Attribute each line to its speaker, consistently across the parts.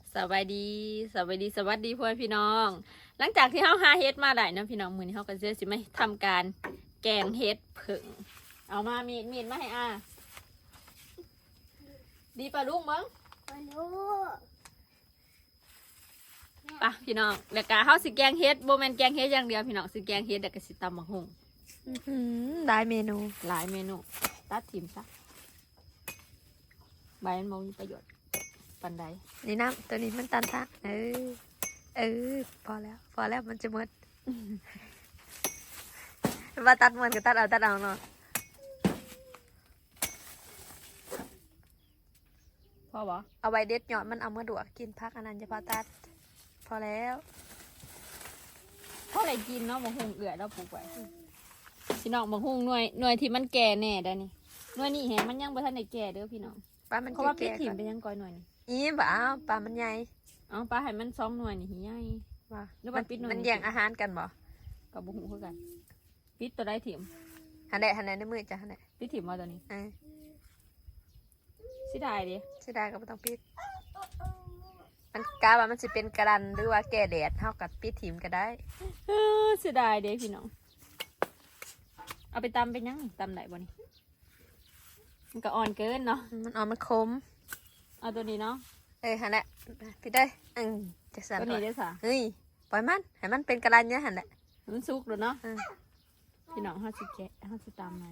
Speaker 1: สวัสดีสวัสดีสวัสดีพ่อพี่น้องหลังจากที่เขาหาเฮ็ดมาได้นะพี่น้องมื้อนี้เขาก็จะสิมาทำการแกงเฮ็ดผึ่งเอามามีดมาให้ดีป่ะลุงมั้งป่ะพี่น้องแล้วก็เขาสิแกงเฮ็ดบ่แม่นแกงเฮ็ดอย่างเดียวพี่น้องสิแกงเฮ็ดแล้วก็สิตำบักหุ่ง
Speaker 2: หลายเมนู
Speaker 1: ตัดถิ่มซะใบมันบ่มีประโยชน์ปานใด
Speaker 2: นี่น้ำตัวนี้มันตันตะพอแล้วมันจะหมดว่าตัดมันก็ตัดเอาเนาะ
Speaker 1: พ่อบ่
Speaker 2: เอาไว้เด็ดยอดมันเอามาดวกกินพักอันนั้นจะพอตัดพอแล้ว
Speaker 1: พ่ออะไรกินเนาะบักหุ่งเอื้อเราปลูกไว้พี่น้องบักหุ่งหน่วยที่มันแก่แน่ได้นี่หน่วยนี้แฮะมันยังบ่ทันได้แก่เด้อพี่น้อง
Speaker 2: ปลามัน
Speaker 1: เพราะว่าพิษถิ่มเป็นยังก้อยหน่วยนี่
Speaker 2: บ่เอาปลามันใหญ่
Speaker 1: เอาปลาให้มัน2หน่วยนี่ใหญ่
Speaker 2: ว่า
Speaker 1: หรือว่าปิดหน่วย
Speaker 2: มันแย่งอาหารกันบ่
Speaker 1: กับบุ้งคือกันปิดตัวได้ถิ่ม
Speaker 2: หันได้ในมือจ้ะหันได้
Speaker 1: ปิดถิ่มมาตัวนี้สิได้ดิ
Speaker 2: สิได้ก็บ่ต้องปิดมันกาว่ามันสิเป็นกระดันหรือว่าแก่แดดเท่ากับปิดถิ่มก็ได้
Speaker 1: เสียดายเด้พี่น้องเอาไปตำเป็นยังตำไหนบ่นี่มันก็อ่อนเกินเนาะ
Speaker 2: มันอ่อนมันคม
Speaker 1: เอาตัวนี้เนาะ
Speaker 2: หันแหละพี่ได้จะสั่น
Speaker 1: ตัวนี้ได้สะ
Speaker 2: เฮ้ยปล่อยมันให้มันเป็นกระดันเนี่ยหันแหละ
Speaker 1: มันสุกเลยเนาะพี่น้องห้าสิแกะ50ตำมัน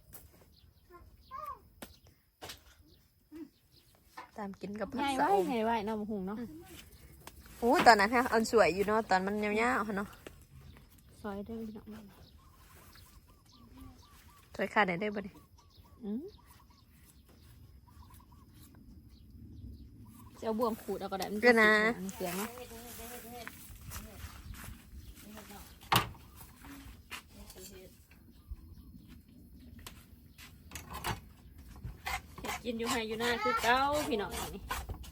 Speaker 2: ตามกินกับผั
Speaker 1: กสะอมไงไว้เนาะมะฮุงเนาะ
Speaker 2: โอ้ตอนนั้นฮะอันสวยอยู่เนาะตอนมันยาวๆเนาะ
Speaker 1: ซอยได้พี่น้อง
Speaker 2: ซอยขาดได้บ่ดิ
Speaker 1: จะเอาบ่วงขูดเอาก็ได้มัน
Speaker 2: ก็นะ
Speaker 1: เสียงเนาะกินอยู่ให้อยู่หน้าคือเก้าพี่น้องนี่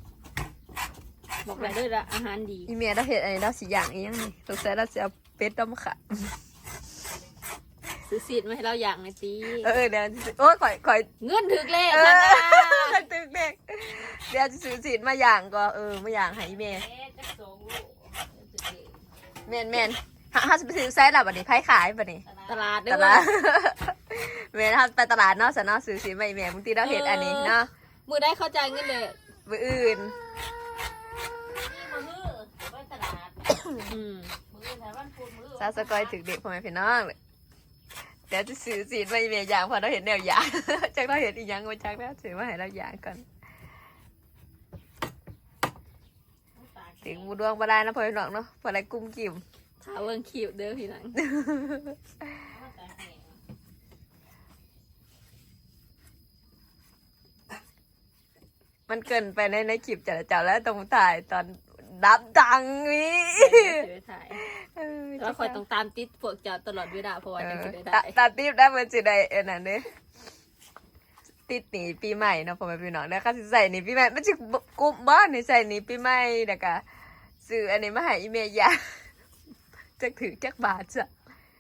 Speaker 1: บอกเลยด้วยละอาหารดี
Speaker 2: อีเมียเราเห็ดอะไรเราสีอย่างอีกยังนี่สงสัยเราจะเอาเป็ดต้มข่า
Speaker 1: ซื้อซีดมาให้เราอย่างในตี
Speaker 2: เดี๋ยวโอ้ยข่อย
Speaker 1: เงื่อนถึกเลข
Speaker 2: ถึกเลขเดี๋ยวจะซื้อซีดมาอย่างก็มาอย่างให้อีเมียแมนถ้าจะไปซื้อไซส์แบบนี้ไพ่ขายแบบนี้
Speaker 1: ตลาด
Speaker 2: เมนถ้าไปตลาดเนาะสนอซื้อซีไม่แม่บางทีเราเห็นอันนี้เนาะ
Speaker 1: มือได้เข้าใจเงินเลย
Speaker 2: มืออื่นซาสกอยถึงเด็กพ่อแม่พี่น้องเลยเดี๋ยวจะซื้อซีไม่แม่อย่างพอเราเห็นแนวอย่างจากเราเห็นอีกอย่างมาจากแล้วซื้อมาให้เราอย่างก่อนถึงบูดวงบาได้นะพ่อพี่น้องเนาะพออะไรกุ้มกิ่ม
Speaker 1: ถ้าเวิร์งคิวเด้อพี่น้อง
Speaker 2: มันเกินไปในคลิปจัดแล้วตรงถ่ายตอนดับดังนี่
Speaker 1: แล้วคอยต้องตามติดพวกเจ้าตลอดเวลาเพราะว่ายังจะได้
Speaker 2: ตามติดได้เหมือนจะได้นั่นเนี่ยติดหนีปีใหม่เนาะพ่อแม่พี่น้องแล้วก็ใส่หนีปีใหม่มันจะกุมบ้านนี่ใส่หนีปีใหม่เด็กอะซื้ออันนี้มาให้อีเมย์ยาจะถือจักบาทจ้ะ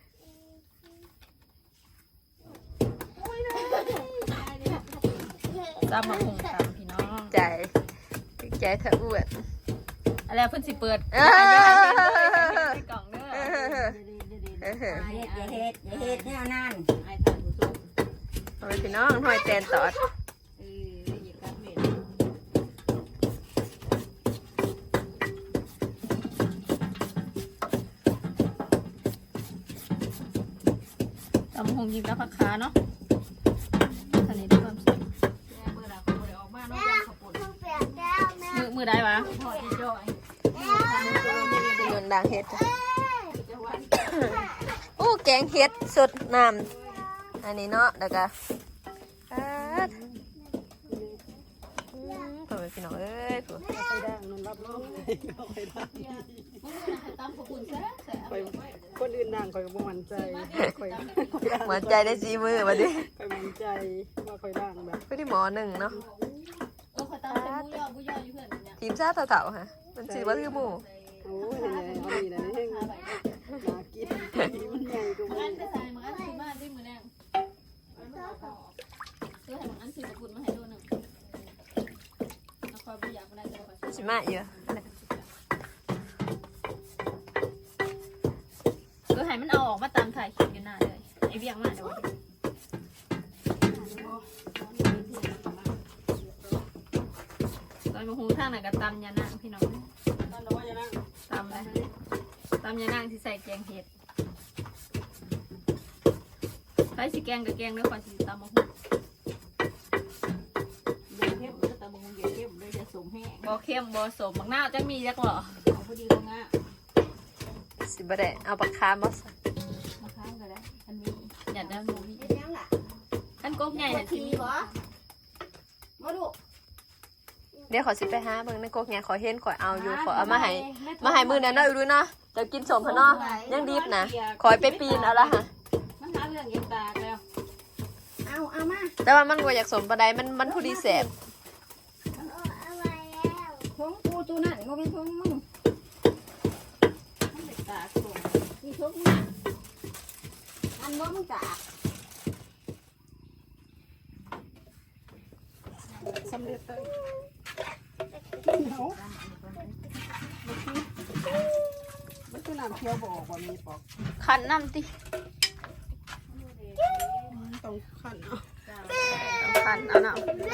Speaker 1: จำมาคงจำพี่น้อง
Speaker 2: ใจเธออ้วน
Speaker 1: อะไรเพิ่นสิเปิดกล่องเด้อ
Speaker 3: อย่าเฮ็ดแนวนั้น
Speaker 2: เอาไปพี่น้องหอยแตนตอด
Speaker 1: ตำหงยิบแล้วผักขาเนาะทะเลด้วยความสุขมือได้ปะ
Speaker 2: เงินดังเห็ดโอ้แกงเห็ดสดน้ำอันนี้เนาะแล้วก็เปิดพี่น้องเอ้ย
Speaker 3: ไปดังนั่นรับรองคนอื่นดังคอยก็บ่มั่นใจคอย
Speaker 2: มั่นใจได้ซีมือมาดิ
Speaker 3: คอยมั่นใจว่าคอยดังแบบ
Speaker 2: ไม่ได้หมอหนึ่งเนาะทีมชาติเต่าๆฮะมันชื่อว่าคือหมู
Speaker 3: โอ้ยเนี่ยเอาดีนะนี่มากินมันใหญ่กว่ามัน
Speaker 1: ใส่มันอันคือมาด้วยมือแรงเสื้อให้มันอันคือกุนมาให้ดูหนึ่งแล้วคอยบุญอยากมาได้
Speaker 2: สิมาเยอะ
Speaker 1: ก็ให้มันเอาออกมาตามถ่ายคลิปอยู่หน้าเลยไอเวียงมาเดี๋ยวตอนมาหูทางไหนก็ตำยานางพี่น้อง
Speaker 3: นั่นเราว่าจะนั่ง
Speaker 1: ตำเลยตำยานางที่ใส่แกงเห็ดใส่สิแกงกับแกงด้วยความสิตำมาหู
Speaker 3: เดี๋ยวเข้มแต่บางคนเดี๋ยวเข้มเลยจะสมแห้ง
Speaker 1: บ่เข้มบ่สมบักหน้าวจังมีจักเหรอ
Speaker 3: เอาพอดีตรงอ่ะ
Speaker 2: สิบ่ได้เอาปากคามมาใส่
Speaker 3: มาค้างกันแล้วอันนี้
Speaker 1: อยากได้หมูมี
Speaker 3: ยังล่ะ
Speaker 1: กันกกใหญ่น่ะสิมี
Speaker 3: มาดู
Speaker 2: เดี๋ยวขอสิไปหาเบิ่งในกกเนี่ยขอเห็นขอเอาอยู่ขอเอามาให้มื้อนั้นเนาะดูเนาะเดี๋ยวกินสมพะเนาะยังดิบนะขอไปปีนเอาละค่ะ
Speaker 3: มันหาเรื่องเย็บตากแล้วเอามา
Speaker 2: แต่ว่ามันบ่อยากสมปานใดมันผู้ดีแสบ
Speaker 3: ท้องกูตัวนั่นมันเป็นท้องมึงมันเด็กตากส่งนี่ท้องมึงอันว่ามึงตากสำเร็จเลยมันคือน้ำเคี่ยวบอกว่ามีปอก
Speaker 2: คันน้ำติ
Speaker 3: ต้องขันเอา
Speaker 2: ต้องคันเอาน้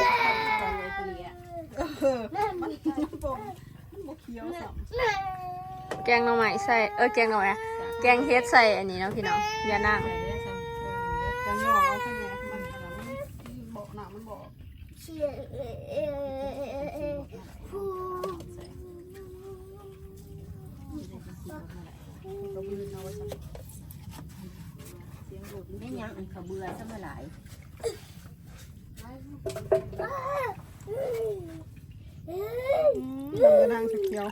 Speaker 3: มันปอกมันบกเคี้ยวสับ
Speaker 2: ำแกงหน่อไม้ใส่แกงหน่อไม้แกงเฮ็ดใส่อันนี้เนาะพี่น้องอย่านั่ง
Speaker 3: จะย่อเอาแค่นี้มันบอกหนามันบอกไม่ยังอันเขาเบื่อซะเมื่อไหร่มันนางเขียว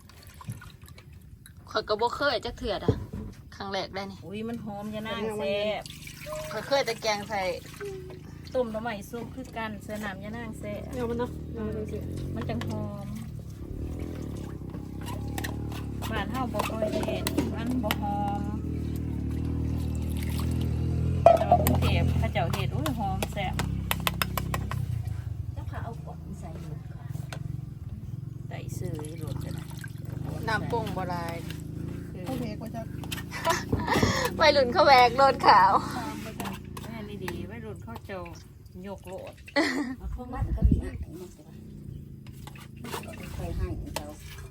Speaker 2: ข่อยก็บ่เคยจักเทื่ออ่ะครั้งแรกได้นี่
Speaker 4: อุ้ยมันหอมยานางแซ่บ
Speaker 2: ข่อยเคยแต่แกงใส่
Speaker 4: ต้มหน่อไม้ซุปคือกันเสื้อน้ำยานางแซ่บ
Speaker 3: เดี๋ยวมันเนาะเดี๋ยวดูสิ
Speaker 4: มันจังหอมบ้านเฮาบ่ค่อยเห็นมันบ่หอมแต่ว่ากรุงเทพเขาเจ้าเฮ็ดอุ้ยหอมแซ่บ
Speaker 3: แล้วเขาเอากล่องใส่หมดค่ะ
Speaker 4: ใส่ซื้อรสจะนะ
Speaker 2: น้ำปรุงบ่ได้
Speaker 4: คือ
Speaker 3: โอเคกว่าจะ
Speaker 2: วัยรุ่นเขาแวกโลดขาว
Speaker 4: แม่นี่ดีไว้รุ่นเขาเจ้ายกโลด
Speaker 3: พวกมันก็มีอ่ะมันจะเคยให้เขา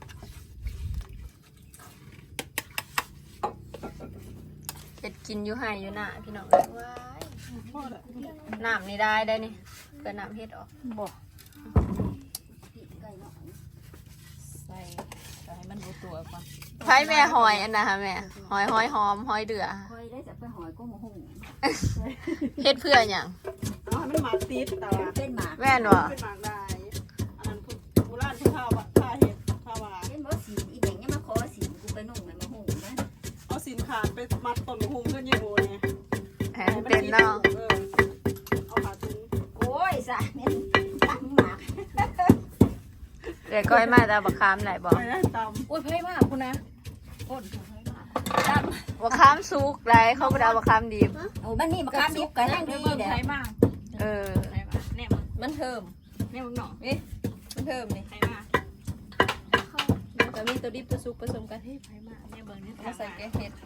Speaker 2: เฮ็ดกินอยู่ให้อยู่หน้าพี่น้องเอ้ยว้ายน้ำนี่ได้นี่เกิดน้ำเฮ็ดออก
Speaker 4: บ่
Speaker 3: ไก่เนาะ
Speaker 4: ใส่ให้มันรู้ตัวก่อน
Speaker 2: ใช้แม่หอยอันนะคะแม่หอยหอมหอยเดือ
Speaker 3: คอยได้จะไปหอยก็มาหุ่ง
Speaker 2: เฮ็ดเพื่อหยัง
Speaker 3: เอาให้มันหมากติดแต่ว่าเป็นหมาก
Speaker 2: แม่นบ่
Speaker 3: เป็นหมากได้อันนั้นโบราณที่ข้าวผ้าเห็ดข้าวหวาน
Speaker 5: เป็นบ่สีอีแบ่งยังมาขอสีกูไปนุ่งมันมาหุ่งนะ
Speaker 3: เอาสินขาดไปมัดต้นหุ่งขึ้นยี่โบเนี่ย
Speaker 2: แหมเป็นเนาะ
Speaker 3: เอาขาถึง
Speaker 5: โอ้ยสะเนี่ยตั้งหมาก
Speaker 2: เดี๋ยวก้อยมาแต่บักคามไหนบอก
Speaker 3: ไปได้ต
Speaker 4: อุ้ยไพ่มากคุณนะก้น
Speaker 2: บักคามสุกไรเขาบ่ได้เอาบักคามดิบ
Speaker 5: โอ้บ้านนี้มาค้ามดิบกันนั่งดี
Speaker 4: เบิ่ง
Speaker 5: เด้อ
Speaker 4: ไพ่มาก
Speaker 2: เออ
Speaker 4: ไพ่มากเนี่ยมันเทิมเนี่ยมึงหน่อนี่มันเทิมนี่ไพ่มากแต่มีตัวดิบตัวซุปผสมกันให้ไพ่มากเนี่ยเบิ่งนี่
Speaker 2: มาใส่แกงเฮ็ด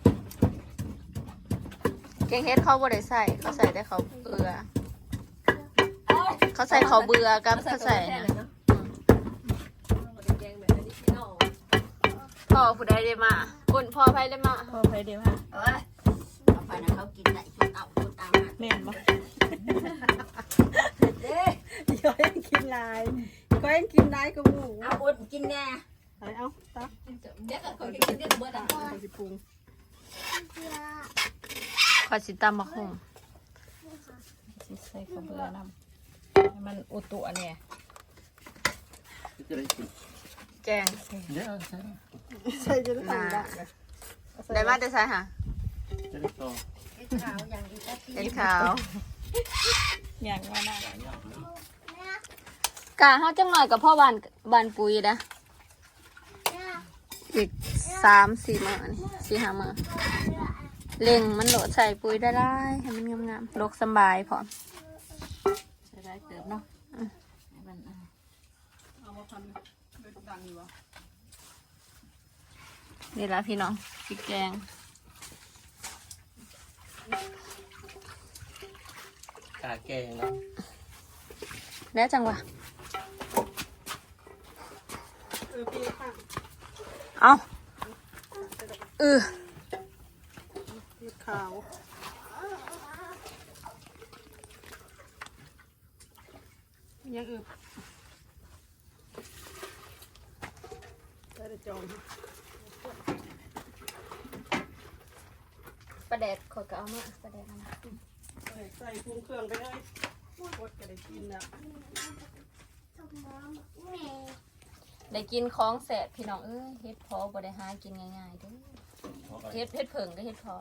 Speaker 2: แกงเฮ็ดเขาบ่ได้ใส่เขาใส่แต่เขาเบื่อเขาใส่เขาเบื่อกับเขาใส่นะพ่อผู้ใดได้มาคุณพ่อไผได้มา
Speaker 4: พอไพ่เดียวฮะ
Speaker 5: เอ้ยเอาไปนะเขากินได้ชุดเอาชุดเอา
Speaker 4: แม่นบ่
Speaker 5: เด้อ
Speaker 3: ำย้อยกินลายก็ยังกินได้ก็มู
Speaker 5: เอาอดกินแน่
Speaker 3: เอาตัก
Speaker 5: เด็กเขากินได้เบิดอ่ะ
Speaker 3: ไปสิปรุง
Speaker 2: ขอสิตำบักหุ่ง
Speaker 4: สิใส่ข้าวเบื่อนำให้มันอุตุอันเนี่ย
Speaker 2: แกง
Speaker 3: ใส่จะได้ตังได้
Speaker 2: ได้มาแต่ใส่ค่ะ
Speaker 5: ขาวอย่างดีตะตี
Speaker 2: เห็ดขาว
Speaker 4: อย่างว่าน่าก
Speaker 2: ะเฮาจังหน่อยกับพ่อบ้านปุ๋ยนะอีก3-4 มื้อนี่4-5 มื้อเล็งมันโหลดใส่ปุ๋ยได้หลายให้มันงามๆโลกสำบายพร้อม
Speaker 4: ใส่ได้เติมเนาะให้มัน
Speaker 3: เอามาทำ
Speaker 1: นี่ละพี่น้องพริกแกง
Speaker 6: กาแกงเนาะ
Speaker 1: แล้วจังวะเอา
Speaker 3: ขาวยังอึบได้จอง
Speaker 1: ประแดดขอยก็เอามาประแดดเอามา
Speaker 3: ใส่ปรุงเครื่องไปเลยกดก็ได้กินแล้ว
Speaker 1: ได้กินของแสบพี่น้องเอ้ยเฮ็ดพอบ่ได้หากินง่ายๆเด้อเฮ็ดเผิงก็เฮ็ดพอ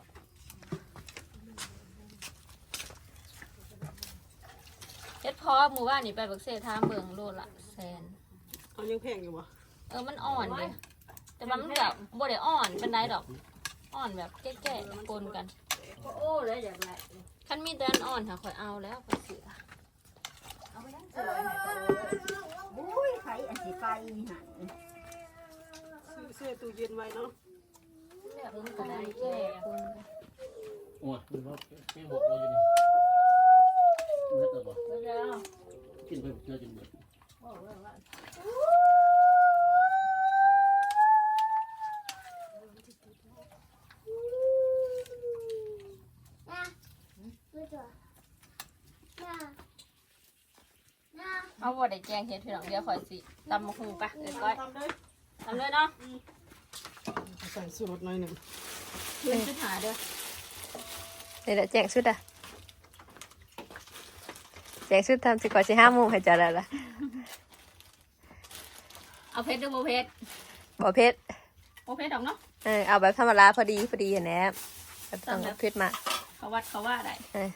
Speaker 1: เฮ็ดพอหมู่บ้านนี่ไปบักเซ่ทามเบิ่งโลละแสน
Speaker 3: เอายังแพงอยู่วะ
Speaker 1: มันอ่อนเด้แต่ว่ามันแบบบ่ได้อ่อนปานใดดอกอ่อนแบบแก่ๆปนกัน
Speaker 5: โอ้เลยอย่างไร
Speaker 1: คันมีแต่อันอ่อนค่ะข่อยเอาแล้วข่อยเสือ
Speaker 5: เอาไปนั่งสวยหน่อยโอ้ยไฟอันสีไฟหัน
Speaker 3: ซื้อเสื้อตู้เย็นไว้เนาะ
Speaker 1: แบบมันก็ได้แก่ปนกัน
Speaker 6: โอ้ยมันว่าแกงหกเราอยู่นี่เมื่อแต่บ่
Speaker 1: แล้ว
Speaker 6: กินไปเจอจนหมด
Speaker 1: เอาบ่ได้แกงเฮ็ดพี่น้องเดี๋ยวข่อยสิตำมะฮูปะก้อย
Speaker 3: ทำเลย
Speaker 1: ทำเลยเนาะ
Speaker 3: ใส่สูตรหน่อยหนึ่ง
Speaker 1: เพื่อนชุดหาเด้อ
Speaker 2: นี่แหละแจงชุดอ่ะแจงชุดทำสิก่อนสิ5 โมงให้เจะแล้วล่ะ
Speaker 1: เอาเพชรดูโบเพชร
Speaker 2: บ่เพชร
Speaker 1: โบเพชรดอกเนาะ
Speaker 2: เอาแบบธรรมดาพอดีเห็นแหนแบบต้องเอาเพชรมา
Speaker 1: เขาวัดเขาว่าได้
Speaker 2: เออ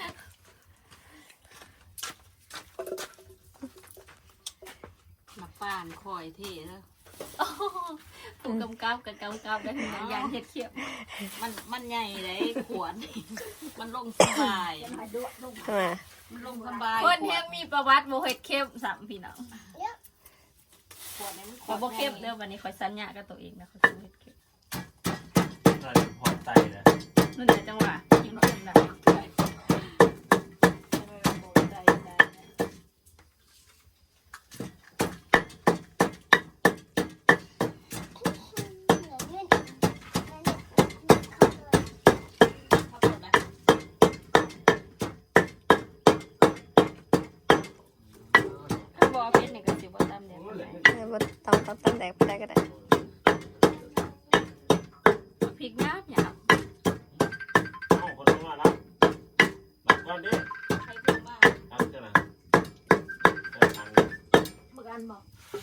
Speaker 5: หมักป่านคอยเท่แล้ว
Speaker 1: ผู้กำกับกับกำกับได้พี่น้องยางเฮ็ดเขียบ
Speaker 5: มันใหญ่เลยขวดมันลงสบาย
Speaker 2: มา
Speaker 5: มันลงสบาย
Speaker 1: คนเฮงมีประวัติโบเฮ็ดเข้มสามพี่น้อง
Speaker 5: ขวดนี้มัน
Speaker 1: ขอโบเข้มเด้อวันนี้ขอยสัญญากับตัวเองนะขอยสิเฮ็ดเข้ม
Speaker 6: น่าจะพอไตนะ
Speaker 1: นั่นแหละจังหวะกินเข้มได้ ถ้าบ่เพชรนี่ก็สิบ่ตามเด้อ
Speaker 2: บ่ต้องตั้งแดกไปได้ก็ได้
Speaker 1: พริกงาบหยาบ
Speaker 6: โอ้คนมาแล้วหลับก่อนดิ
Speaker 5: ใครเพิ่มบ้าง
Speaker 6: ทำจะนะทาง
Speaker 1: เบิ่งอันบ่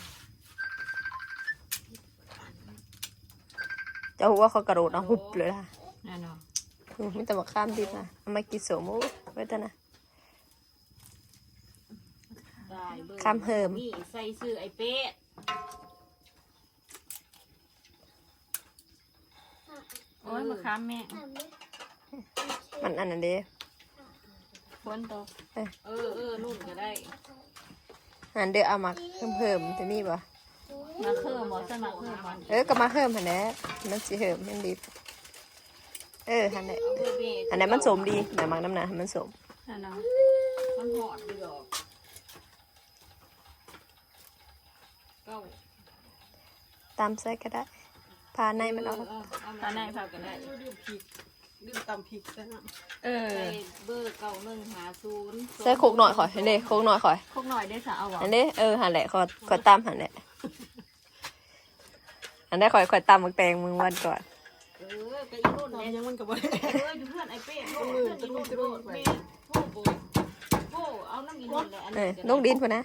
Speaker 2: เจ้าหัวเขากระโดดเอาหุบเลยล่ะ
Speaker 1: นั่นเนาะ
Speaker 2: มีแต่มาข้ามดิบนะเอามากินโสมไว้แต่นะ
Speaker 5: ได้เบิ่ง
Speaker 2: คำเหิม
Speaker 5: นี่ใส่ซื้อไอ้เป๊ะ
Speaker 1: โอ้ยมะขามแม่
Speaker 2: มันอันนั้นเด้
Speaker 1: ฝนตก
Speaker 5: นุ่นก็ได้
Speaker 2: อันเด้อเอามาเพิ่มจะมีบ่
Speaker 1: มาเพิ่มบ่สมัครเพิ่มบ่
Speaker 2: ก็มาเพิ่มหันแหละมันสิเพิ่มมันดิบหันแหละ
Speaker 5: เอาเบอร์เบะ
Speaker 2: อันนั้นมันสมดีแม่มักน้ำหนามันสม
Speaker 1: นั่นเนาะ
Speaker 5: มันหอดดีดอกเก้า
Speaker 2: ตามใส่ก็ได้พาในมันออก
Speaker 1: ตาในผักก็ได้
Speaker 3: ดื่มพริกดื่มตำพริกได้นะ
Speaker 5: ใส่เบอร์9150
Speaker 2: ใส่โคกหน่อยข่อยเด้โคกหน่อยข่อย
Speaker 1: คกหน่อยได้สะเอาบ่
Speaker 2: อันนี้หันแหละขอตามหันแหละอันนี้ข่อยตามมึงแตงมึงวันก่อน
Speaker 5: ก็อีนุ่น
Speaker 3: ตอน
Speaker 5: เนี่ย
Speaker 3: ยังมันก็บ่ได้
Speaker 5: อยู่เพื่อนไอ้เป๊ะโลดเพื่อนอีนุ่นโลดแม่โทษโบโอ้เอาน้ำอีนุ่นเลยอันนี้
Speaker 2: ลงดินพุ่นนะ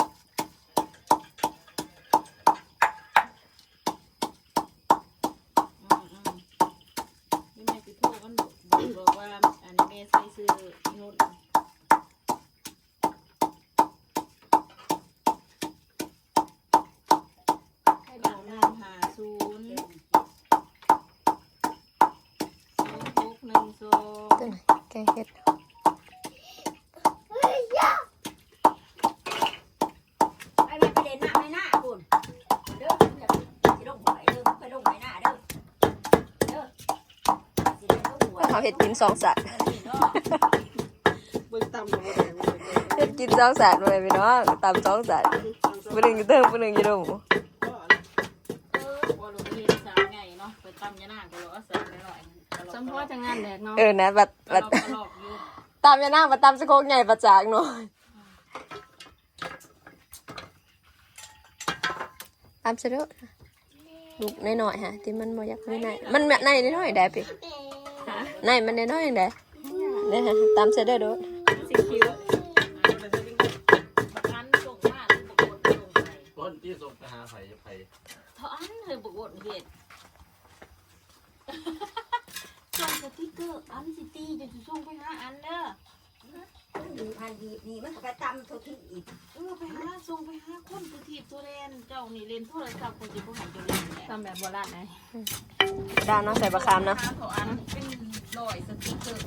Speaker 5: นี่แม่สิโทษกันบอกว่าอันนี้แม่ใส่ซื้ออีนุ่น
Speaker 2: ตัวไหนแกงเห็ด
Speaker 5: ไอ้แม่ไปเล่นหน้าไม่หน้าคุณเด้
Speaker 2: เขาเห็ดกิน2 สัตว์
Speaker 5: เบิ่งตำกับบ่ได้บ่ได้
Speaker 2: เห็ดกิน2 สัตว์เลยพี่น้องตำ2 สัตว์ผู้หนึ่งอยู่เทิงผู้หนึ่งอยู่ตรง
Speaker 5: ก็
Speaker 1: ว่าลูกเรียนสาวไงเนาะไปตำยะนางก็รอสาวหน่อยๆสมพอจังงานแดกเนาะ
Speaker 2: นะบัด
Speaker 1: ก็ลอกอยู่
Speaker 2: ตามยานางมาตามสะโคกใหญ่ประจากหน่อยตามเสด็จลูกน้อยๆฮะที่มันบ่อยากไม่ในมันแบบในน้อยๆได้พี่ในมันน้อยๆได้เนี่ยฮะตามเสด็จโดด
Speaker 1: สิคิวบักอันส่งมาหรือบักกดส่งไป
Speaker 6: ต้นที่ส่งไปหาไผ่จะไผ่
Speaker 1: เท่าอันเธอบักกดเฮ็ดส่งสติ๊กเกอร์อันสิตีจะส่งไปหาอันเด้อ
Speaker 3: ดีพันดีนี่มันก็ไปตำทุกที่อีก
Speaker 1: ไปหาส่งไปหาคนตัวทีบตัวเล่นเจ้านี่เล่นโทรศัพท์คนจะผู้หันจะเล่นทำแบบโบราณไง
Speaker 2: ด้านน้องใส่บะคามนะ
Speaker 1: เขาอันเป็นรอยสติ๊กเกอร์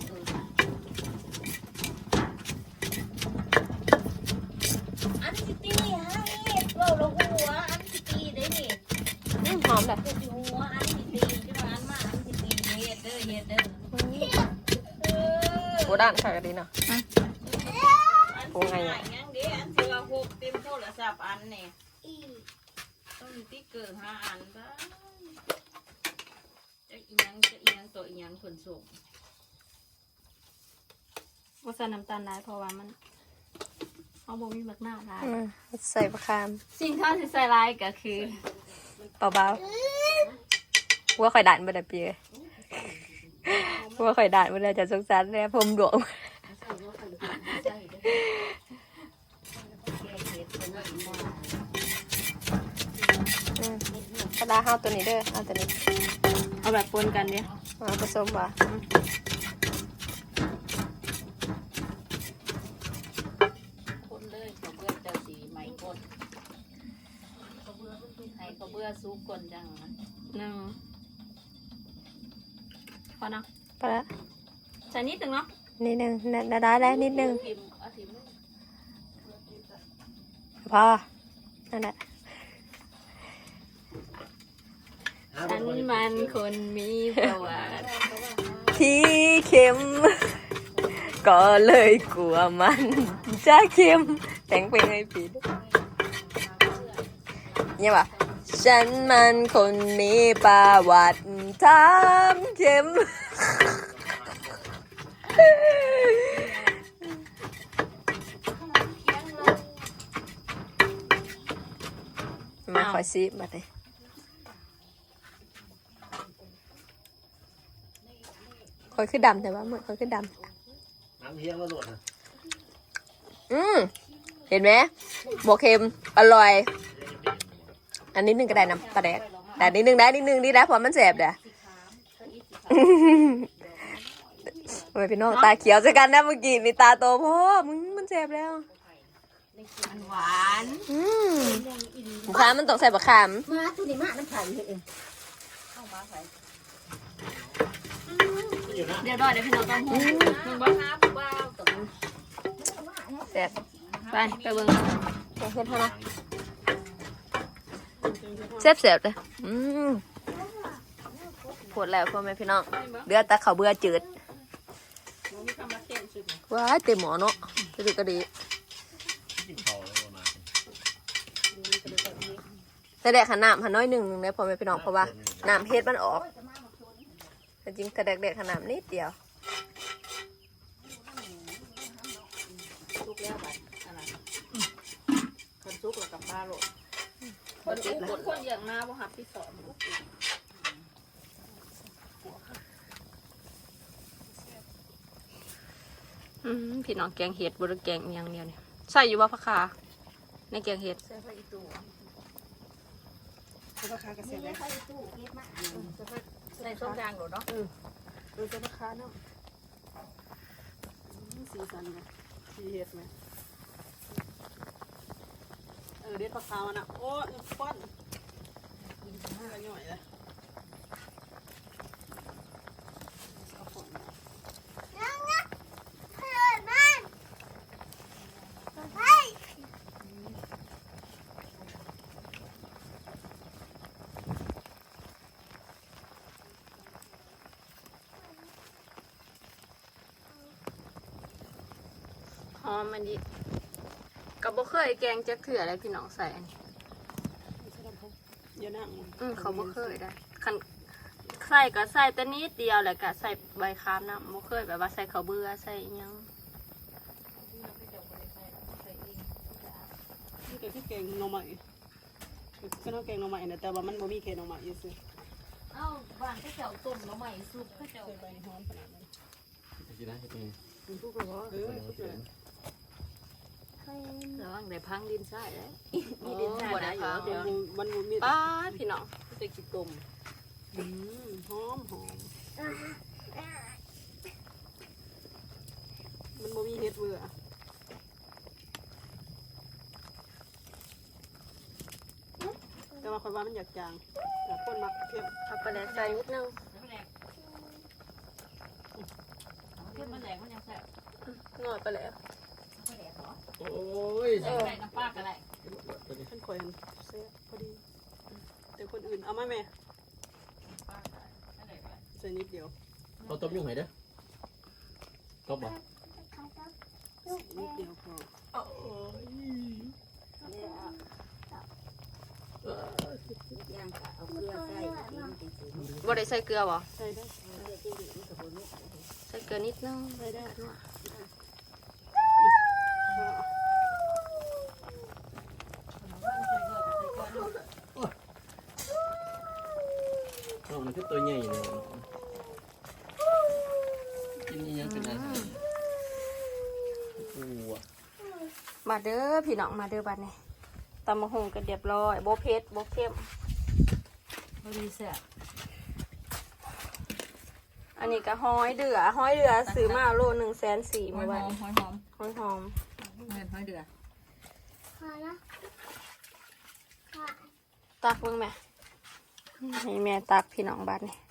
Speaker 1: อันสิตีฮะเราหัวอันสิตีได้นี่
Speaker 2: หอมแบบ
Speaker 1: ตัวหัวอันสิตีจะมาอันมาอันสิตีเฮ็ดเด้อเฮ็ดเด้อ
Speaker 2: โบด้านค่ะก็ดีเนาะ
Speaker 1: โอ้ไงยังเด้อันสิว่าหกเต็มโทรศัพท์อันนี่ต้องมีติ๊กเกอร์5 อันบ้างจะอีหยังตัวอีหยังขนส่งว่าใส่น้ำตาลได้เพราะว่ามันเอาบ่มีบักหน้าได้
Speaker 2: ใส่บะคาม
Speaker 1: สิ่งที่เราใส่ลายก็คือ
Speaker 2: เบาๆว่าข่อยด่านบ่ได้เปียว่าข่อยด่านบ่ได้จะสงสารแน่ผมดวงกระดาษห้าตัวนี้เด้อเอาตัวนี้
Speaker 1: เอาแบบปนกันเนี่ย
Speaker 2: มาผสมว่ะ
Speaker 1: คนเลยเขาเบื่อเจ้าสีไหมกดให้เขาเบื่อซุกกลจังหนึ่งพอเนาะ
Speaker 2: ไปละ
Speaker 1: ใส่นิดหนึ่งเนาะ
Speaker 2: นิดนึงได้นิดนึง
Speaker 1: พิมพ์เอาทิม
Speaker 2: พอนั่นแหละ
Speaker 1: ฉันมันคนมีประวัติ
Speaker 2: ที่เค็ม ก็เลยกลัวมันจะเค็มแต่งเพลงให้ผิดเนี่ยว่ะฉันมันคนมีประวัติทำเค็ม มาคอยซิมาเลยคอยคือดำแต่ว่าเหมือนคอยคือดำ
Speaker 6: น้ำเฮี้ยงแล้วโหลดนะ
Speaker 2: เห็นไหมโมเค็มอร่อย อันนี้นึงก็ได้น้ำปลาแดกแต่นิดนึงได้นิดนึงดีนะเพราะมันแสบเด้อโอ้ยพี่น้องตาเขียวใช่กันนะเมื่อกี้นี่ตาโตพ่อมึงมันแสบแล้ว
Speaker 1: มันหวาน
Speaker 2: บุคามมันต้องใส่บะขาม
Speaker 3: มาตัวนี้มาน้ำไผ่เอง
Speaker 1: เดี๋ยวรอเดี๋ยวพี่น้องต้องหูมึงบ้าบ้าตก
Speaker 2: แสบ
Speaker 1: ไปเบิ่ง
Speaker 2: เฮ็ดเท่านะแซ่บเลยปวดแล้วพ่อแม่พี่น้องเดือดตาเขาเบื่อจืดว้ายเต็มหมอเนาะจะดูก็ดี
Speaker 6: กินเขาเลยประมาณ
Speaker 2: แต่แดกหันน้ำหันน้อยหนึ่งเลยพ่อแม่พี่น้องเพราะว่าน้ำเฮ็ดมันออกแต่จริงแต่แดกหันน้ำนิดเดียว
Speaker 1: ซุกแล้วบัดอะไรคนซุกแล้วกับปลาโหลดคนอย่างมาบ่หับที่สอนพี่น้องแกงเห็ดบนแกงอย่างเดียวเนี่ยใส่อยู่ว่าผักคาในแกงเห็ด
Speaker 5: ราคาก็เสียได้
Speaker 1: ใส่ส้มยางหรอเนาะ
Speaker 5: ดูจะราคาเนาะสีสันนะสีเห็ดไหมเด็ดปลาขาวนะโอ้ยป้อนอะไรหน่อยเลย
Speaker 1: อมมันดิก็บ่เคยแกงจักเถื่ออะไรพี่น้องใส่อันนี้
Speaker 5: อย่านั่ง
Speaker 1: เขาบ่เคยได้คันใส่ก็ใส่แต่นิดเดียวแหละก็ใส่ใบคามน้ำบ่เคยแบบว่าใส่ข้าวเบื่อใส่อิหยัง
Speaker 5: นี่ก็ที่แกงหน่อไม้ก็ต้องแกงหน่อไม้นะแต่ว่ามันบ่มีแค่หน่อไม้อยู่ซื่อ
Speaker 1: เอ้าบ้านเขาเจ้าต้มแล้วใหม่ซุปเขาเจ้า
Speaker 5: ใบหอมขนาดนั้น
Speaker 6: กินได้เป็น
Speaker 5: มันทุกข์ก็ทุกข์เลย
Speaker 1: ระวังได้พังดินใส่ได้มีดินใส่ได้อยู่เดี๋ยว
Speaker 5: มันมี
Speaker 1: ป้าดพี่น้อง
Speaker 5: จะกินต้มหอมมันบ่มีเฮ็ดเบื่อแต่ว่าคนว่ามันอยากจางแต่คนมักเค็ม
Speaker 1: เอาไปแล้วใส่นิดนึงเพิ่มมันแหลกมันยังแซ่บ
Speaker 2: งอดไปแล้ว
Speaker 6: โอ้ย
Speaker 1: ใส่น้ำปลาก็ได้
Speaker 5: ท่านคอยเสียพอดีแต่คนอื่นเอาไหมแม่ใส่นิดเดียว
Speaker 6: เราต้มยุ่งไหนเด้อต้มบ่
Speaker 5: นิดเดียวพอ
Speaker 1: บ่ได้ใส่เกลือบ่
Speaker 5: ใส่ได้
Speaker 1: ใส่เกลือนิดนึง
Speaker 5: ใส่ได้
Speaker 6: ต้มมันคือตัวใหญ่เลยกินยังเป็นอะไรกูอ่ะ
Speaker 1: มาเด้อพี่น้องมาเด้อบัดนี้ตำมะฮงก็เรียบร้อยบ่เผ็ดบ่เค็ม
Speaker 3: บ่ดีแซ่บ
Speaker 1: อันนี้ก็ห้อยเดือซื้อมาโล140,000
Speaker 3: หอ
Speaker 1: เมื่
Speaker 3: ย
Speaker 1: อ
Speaker 3: ห
Speaker 1: วา
Speaker 3: อน ม
Speaker 1: นี้
Speaker 3: หอยหอม
Speaker 1: หอยหอม
Speaker 3: เงินหอยเดือ
Speaker 1: ตักเบิ่งแม่ให้แม่ตักพี่น้องบัดนี้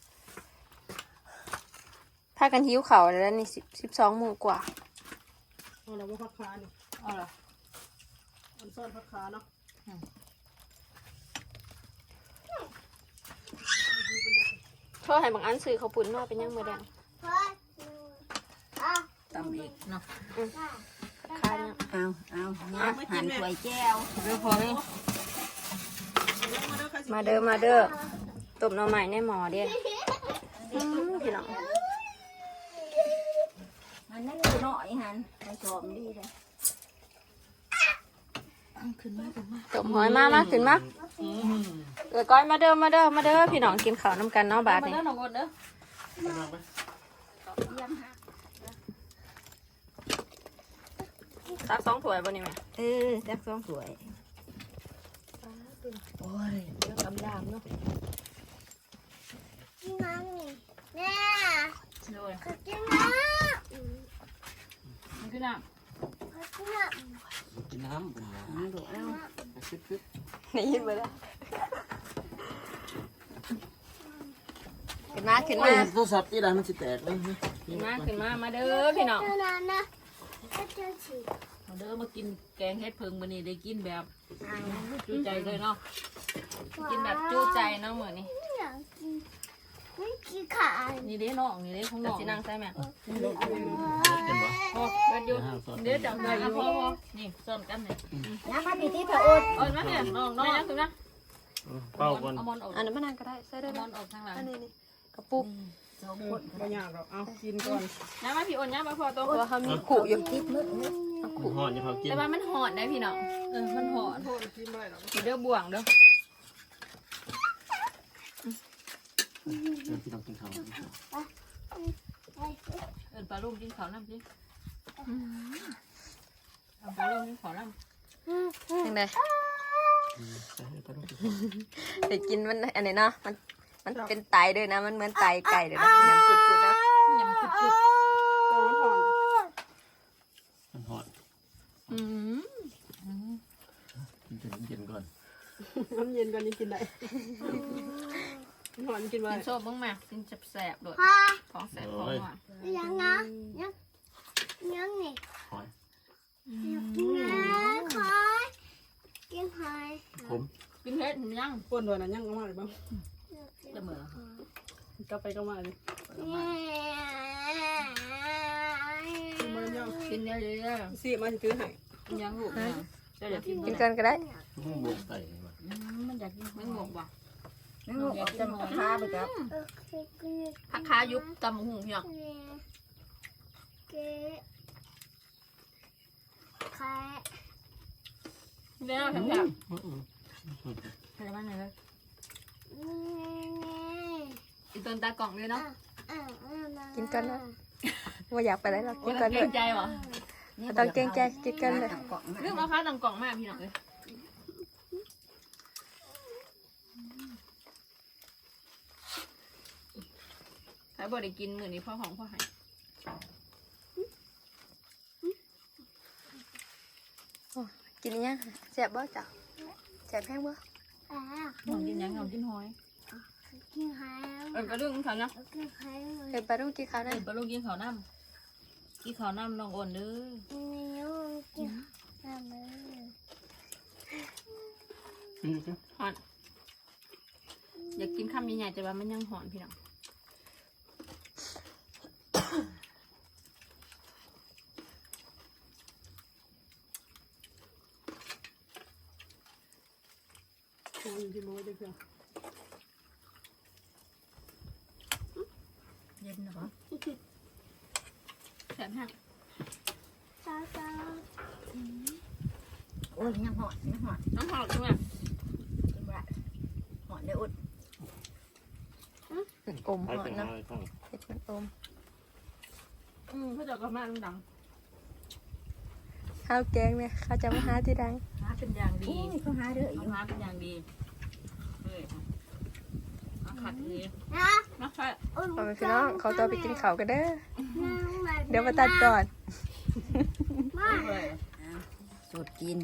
Speaker 1: พากันหิวข้าวแล้วนี่12 โมงกว่า
Speaker 5: เอาแล้วว่าผักขานี่
Speaker 3: เอาเหรอ
Speaker 5: อันซ่อนผักขาเนาะ
Speaker 1: โทษให้บางอันซื้อข้าวปุ้นมาเป็นยังมื้อแดง
Speaker 3: ตำอีกเนาะ
Speaker 1: คายยัง
Speaker 3: เอาหั่นถ้วยแก้วเดี๋ยวพอเลย
Speaker 1: มาเด้อต้มหน่อไม้ในหม้อเด้พี่น้อง
Speaker 3: มันนั่นคือน้อยหั่นผสมดีเลยขึ้นมา
Speaker 1: ต้มหอยมาขึ้นมาก้อยมาเด้อพี่น้องกินข้าวน้ำกันเนาะบาด
Speaker 3: มา
Speaker 1: นี้
Speaker 3: เด้อน้องกดเด้อ
Speaker 1: ตัก2 ถ้วยบ่นี่แม่
Speaker 3: จัก2ถ้วยโอ้ยเดี๋ยวกำดามเนาะ
Speaker 1: โดย
Speaker 3: มันคือน้
Speaker 6: กินน้ำ
Speaker 3: ำดูเอา
Speaker 6: คึด
Speaker 1: ได้ยินบ่ล่ะขึ้นมา
Speaker 6: โอ้ยโทรศัพท์ที่ร้านมันจะแตกเลย
Speaker 1: ขึ้นมามาเด้อพี่น้อง
Speaker 3: มาเด้อมากินแกงเฮ็ดเพิงมื้อนี้ได้กินแบบจุใจเลยเนาะ
Speaker 1: กินแบบจู้ใจเนาะมื้อนี้
Speaker 3: นี่เด้น้องนี่เด้ของน้
Speaker 1: จะ
Speaker 3: อง
Speaker 1: สินั่งใส่แม่
Speaker 6: เป็นบ่
Speaker 3: พอเบิดอยู่
Speaker 1: เดี๋ยวจัง
Speaker 3: ได้
Speaker 1: ได๋
Speaker 3: อยู่
Speaker 1: พอ
Speaker 3: นี่ซ่อนกันนี่
Speaker 1: อ่อนมาเนี่ยน้องขึ้นมา
Speaker 6: เป้าก่อน
Speaker 3: เอามอนออก
Speaker 1: อันนั้นมานั่งก็ได้ใส่ได้
Speaker 3: เอาม
Speaker 1: แล้
Speaker 3: อนออกทางหลัง
Speaker 1: อันนี้กระปุก
Speaker 3: 2คน
Speaker 5: ไม่ยากหรอกเอากินก่อน
Speaker 1: น้ำมาพี่อ่อนน้ำมาพอตัวเพราะว่าเขามีขู่อยู่
Speaker 6: ห่อนอย่าเผากิน
Speaker 1: แต่ว่ามันหอนได้พี่น้อง
Speaker 3: มันหอน
Speaker 5: โทษกินไม่ได้หรอก
Speaker 1: เด้อบ่วงเด้อ
Speaker 6: พี่ต้องกินข้าว
Speaker 3: เอิ้นปลาลุงกินข้าวน้ำสิเอาปลาลุงกินข้าวน้ำ
Speaker 1: ยังไงแต่กินมันอันนี้เนาะมันเป็นไตด้วยนะมันเหมือนไตไก่เลยนะยำกุดๆนะ
Speaker 3: ยำกึด
Speaker 5: ตัวมันห่อน
Speaker 6: มันห่อน
Speaker 1: อืม
Speaker 6: กินเย็นก่อน
Speaker 5: น้ำเย็นก่อนนี้กินได้ห่อนกินไว้
Speaker 1: กินโซ่บ้างมากินแสบๆด้วยของแสบของหวาน
Speaker 7: ยังนะยังนี่
Speaker 6: หอย
Speaker 7: ขอยกินหอย
Speaker 6: ผม
Speaker 1: กินเผ็ดหรือยัง
Speaker 5: ป้นด้วยนะยังก็มาเลยบ้าง
Speaker 3: ๆละเมอก
Speaker 5: ลับไปก็มาเลย
Speaker 7: เย้
Speaker 5: มาแล้ว
Speaker 1: กินเยอะๆ
Speaker 5: สิมาสิถือให้
Speaker 1: ยังลูกยังเดี๋ยวกิน
Speaker 2: กินกันก็ได้
Speaker 6: มันบวกไก่มา
Speaker 1: มันอยากกินมันงกบ่
Speaker 3: นั่งออกจะมาค้าไปครับ
Speaker 1: ผักคายุบตำหุ่งพี่น้อง
Speaker 7: เก๋แค่
Speaker 1: เดี๋ยวแข็งๆอะไรบ้างเนี่ยอีต้นตากล่องเลยเนาะ
Speaker 2: กินกันนะว่าอยากไปไหนหรอกกิน
Speaker 1: เก
Speaker 2: กันเล
Speaker 1: ร
Speaker 2: ย
Speaker 1: งใจวะ
Speaker 2: ตอนเกรงใจกินกันเลย
Speaker 1: เรื่องราคาต่างกล่องมากพี่น้องเลยถ้าบ่ได้กินมื้อนี้พ่อของพ่อหาย
Speaker 2: กินยังแซ่บบ่จ้ะแซ่บแห้งบ่
Speaker 1: น้องกินยังน้องกินหอย
Speaker 7: กินหาย
Speaker 1: กระดึงเขานะ
Speaker 7: กินหาย
Speaker 2: เฮ้ยปลาลูกกินข้าวได้
Speaker 1: ปลาลูกกินข้าวน้ำกินข้าวน้ำน้องอ่อนเด้อ
Speaker 7: นิ้วกินหายเลย
Speaker 1: หอนอยากกินข้าวใหญ่ๆแต่ว่ามันยังหอนพี่น้อง
Speaker 5: คนที่มื้อได้เพื่อ
Speaker 1: เย็นเหรอแสบแห้ง
Speaker 7: จ้าจ้า
Speaker 3: โอ้ยยังหอดยังหอด
Speaker 1: น้ำหอมใช่ไหม
Speaker 3: กินบ่หอดเลยอุด
Speaker 2: อม
Speaker 6: ไอ้
Speaker 2: หอ
Speaker 6: เป็น
Speaker 2: น
Speaker 6: อะ
Speaker 2: เนาะ
Speaker 6: ไรข้าง
Speaker 2: เห็ดมันอม
Speaker 1: เขาจะก็มาดัง
Speaker 2: ข้าวแกงเนี่ยเขาจะมาหาที่ดัง
Speaker 1: หาเป็นอย่างดี
Speaker 3: โอ้ยเขาหาเด้ออยู่
Speaker 1: หาเป็นอย่างดีเฮ้ยมาขัดดี
Speaker 7: นะ
Speaker 1: มาขัด
Speaker 2: พ่อแม่พี่น้องเขาตัวไปกินข้าวกันเด้อเดี๋ยวมาตัดก่อน
Speaker 7: มา
Speaker 1: เลย
Speaker 3: สูตรกิน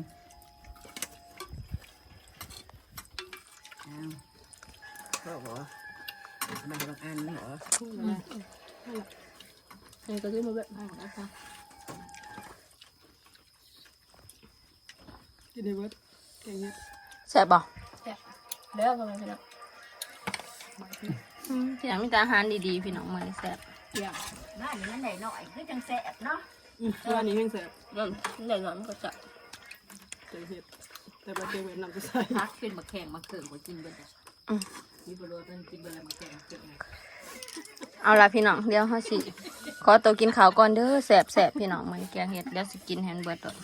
Speaker 3: อ้าวเขาบอกมาบางอันเหรอ
Speaker 1: นี่ก็ซื้อมาแบบนี้นะคะ
Speaker 5: กินได้เบิดแกงเฮ็ด
Speaker 2: แซ่บบ่
Speaker 1: เด้อพ่อแม่พี่น้องที่หลังมีแต่อาหารดีๆพี่น้องมันแซ่บ
Speaker 3: บ้านนี้มันได้หน่อยคือจังแซ่บเนาะ
Speaker 5: ตัวนี้แห้งแซ่บ
Speaker 1: เริ่มเดี๋ยวมันก็จะ
Speaker 5: แกงเฮ็ดแต่ว่าแกงเวียดนามจะใส่
Speaker 1: พักเป็นมะแข่งมะเขือมากินเบิดมีบรสกินเบิดแล้วมะแข่งมะเขือ
Speaker 2: เอาล่ะพี่น้องเดี๋ยวเฮาสิขอตัวกินข้าวก่อนเด้อแซ่บๆพี่น้องมันแกงเห็ดเดี๋ยวสิกินแฮนเบิดด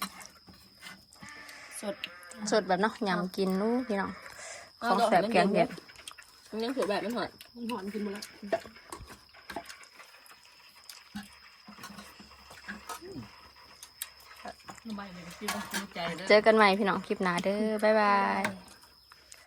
Speaker 2: สดแบบเนาะยำกินนู้พี่น้องของแซ่บแกงเห็ด
Speaker 1: มันยังถือแบบมันหอด
Speaker 5: มันหอนกินหมดแล้ว
Speaker 1: ใบมันกินต้องกินใจเด้อ
Speaker 2: เจอกันใหม่พี่น้องคลิปหน้าเด้อบ๊ายบาย